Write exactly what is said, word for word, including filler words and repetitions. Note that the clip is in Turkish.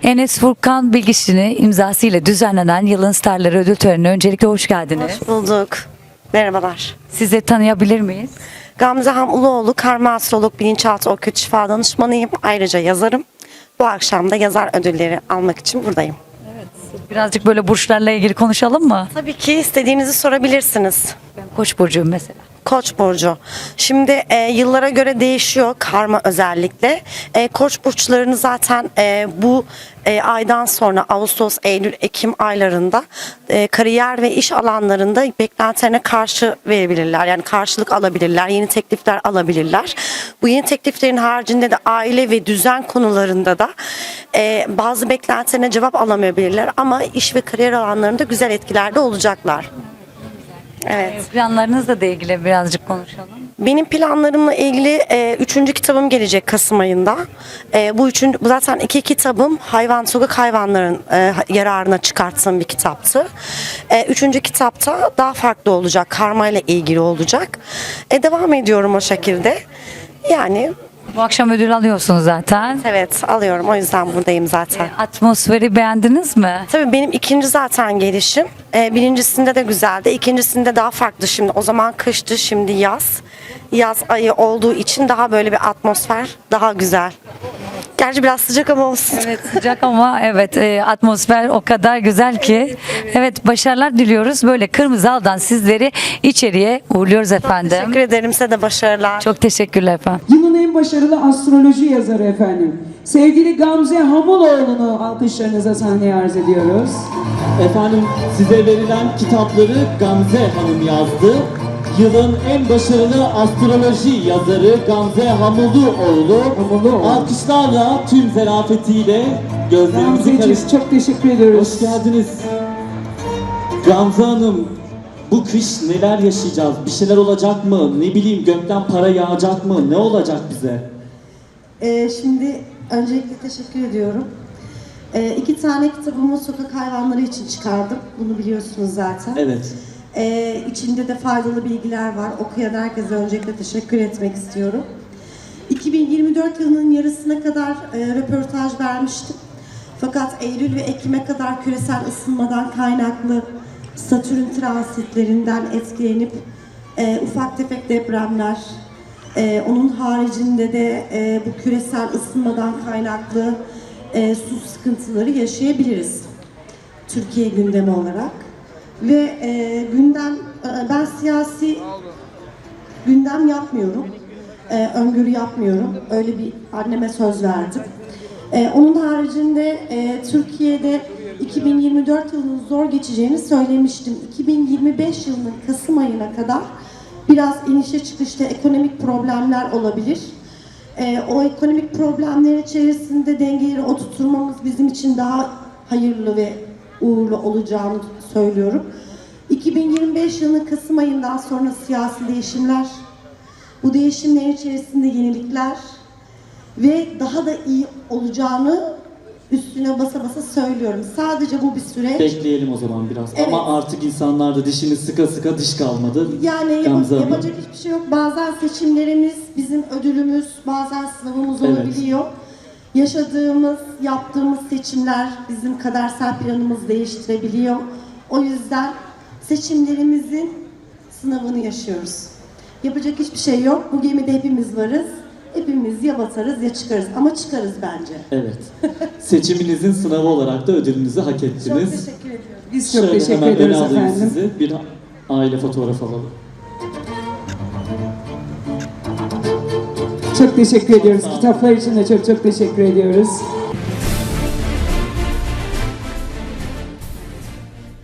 Enes Furkan Bilgiç'in imzasıyla düzenlenen Yılın Starları ödül törenine öncelikle hoş geldiniz. Hoş bulduk. Merhabalar. Sizi tanıyabilir miyiz? Gamze Hamuloğlu, karma astrolog, bilinçaltı okült şifa danışmanıyım. Ayrıca yazarım. Bu akşam da yazar ödülleri almak için buradayım. Birazcık böyle burçlarla ilgili konuşalım mı? Tabii ki istediğinizi sorabilirsiniz. Ben Koç burcuyum mesela. Koç burcu. Şimdi e, yıllara göre değişiyor karma özellikle. E, Koç burçlarını zaten e, bu e, aydan sonra Ağustos, Eylül, Ekim aylarında e, kariyer ve iş alanlarında beklentilerine karşı verebilirler. Yani karşılık alabilirler, yeni teklifler alabilirler. Bu yeni tekliflerin haricinde de aile ve düzen konularında da e, bazı beklentilerine cevap alamayabilirler. Ama iş ve kariyer alanlarında güzel etkilerde olacaklar. Evet. Planlarınızla da ilgili birazcık konuşalım. Benim planlarımla ilgili e, üçüncü kitabım gelecek Kasım ayında. E, bu üçüncü, bu zaten iki kitabım hayvan, sokak hayvanların e, yararına çıkarttığım bir kitaptı. E, üçüncü kitapta daha farklı olacak, karma ile ilgili olacak. E, devam ediyorum o şekilde. Yani Bu akşam ödül alıyorsunuz zaten. evet, alıyorum, o yüzden buradayım zaten. Atmosferi beğendiniz mi? Tabii benim ikinci zaten gelişim. Ee, birincisinde de güzeldi. İkincisinde daha farklı şimdi. O zaman kıştı, şimdi yaz. Yaz ayı olduğu için daha böyle bir atmosfer daha güzel. Gerçi biraz sıcak ama olsun. Evet, sıcak ama evet e, atmosfer o kadar güzel ki. Evet, başarılar diliyoruz. Böyle kırmızı aldan sizleri içeriye uğurluyoruz efendim. Teşekkür ederim, size de başarılar. Çok teşekkürler efendim. Yılın en başarılı astroloji yazarı efendim. Sevgili Gamze Hamuloğlu'nu alkışlarınıza sahneye arz ediyoruz. Efendim size verilen kitapları Gamze Hanım yazdı. Yılın en başarılı astroloji yazarı Gamze Hamuloğlu. Hamuloğlu. Alkışlarla tüm zarafetiyle gözlerimizi Gamzeciğim karıştırdı. çok teşekkür ediyoruz. Hoş geldiniz. Gamze Hanım, bu kış neler yaşayacağız? Bir şeyler olacak mı? Ne bileyim, gökten para yağacak mı? Ne olacak bize? Ee, şimdi öncelikle teşekkür ediyorum. Ee, iki tane kitabımı sokak hayvanları için çıkardım. Bunu biliyorsunuz zaten. Evet. Ee, içinde de faydalı bilgiler var. Okuyan herkese öncelikle teşekkür etmek istiyorum. iki bin yirmi dört yılının yarısına kadar e, röportaj vermiştim. Fakat Eylül ve Ekim'e kadar küresel ısınmadan kaynaklı Satürn transitlerinden etkilenip e, ufak tefek depremler, e, onun haricinde de e, bu küresel ısınmadan kaynaklı e, su sıkıntıları yaşayabiliriz Türkiye gündemi olarak. Ve e, gündem, e, ben siyasi gündem yapmıyorum, e, öngörü yapmıyorum. Öyle bir anneme söz verdim. E, onun haricinde e, Türkiye'de iki bin yirmi dört yılının zor geçeceğini söylemiştim. iki bin yirmi beş yılının Kasım ayına kadar biraz inişe çıkışta ekonomik problemler olabilir. E, o ekonomik problemler içerisinde dengeleri oturtmamız bizim için daha hayırlı ve uğurlu olacağını söylüyorum. iki bin yirmi beş yılının Kasım ayından sonra siyasi değişimler, bu değişimler içerisinde yenilikler ve daha da iyi olacağını üstüne basa basa söylüyorum. Sadece bu bir süreç. Bekleyelim o zaman biraz. Evet. Ama artık insanlar da dişini sıka sıka diş kalmadı. Yani yap- Gamze Hanım. yapacak hiçbir şey yok. Bazen seçimlerimiz bizim ödülümüz, bazen sınavımız Evet. olabiliyor. Yaşadığımız, yaptığımız seçimler bizim kadersel planımızı değiştirebiliyor. O yüzden seçimlerimizin sınavını yaşıyoruz. Yapacak hiçbir şey yok. Bu gemide hepimiz varız. Hepimiz ya batarız ya çıkarız. Ama çıkarız bence. Evet. Seçiminizin sınavı olarak da ödülünüzü hak Çok ettiniz. teşekkür ediyorum. Biz çok Şöyle teşekkür hemen ediyoruz öne alayım efendim. sizi. Bir aile fotoğrafı alalım. Çok teşekkür ediyoruz. Kitaplar için de çok çok teşekkür ediyoruz.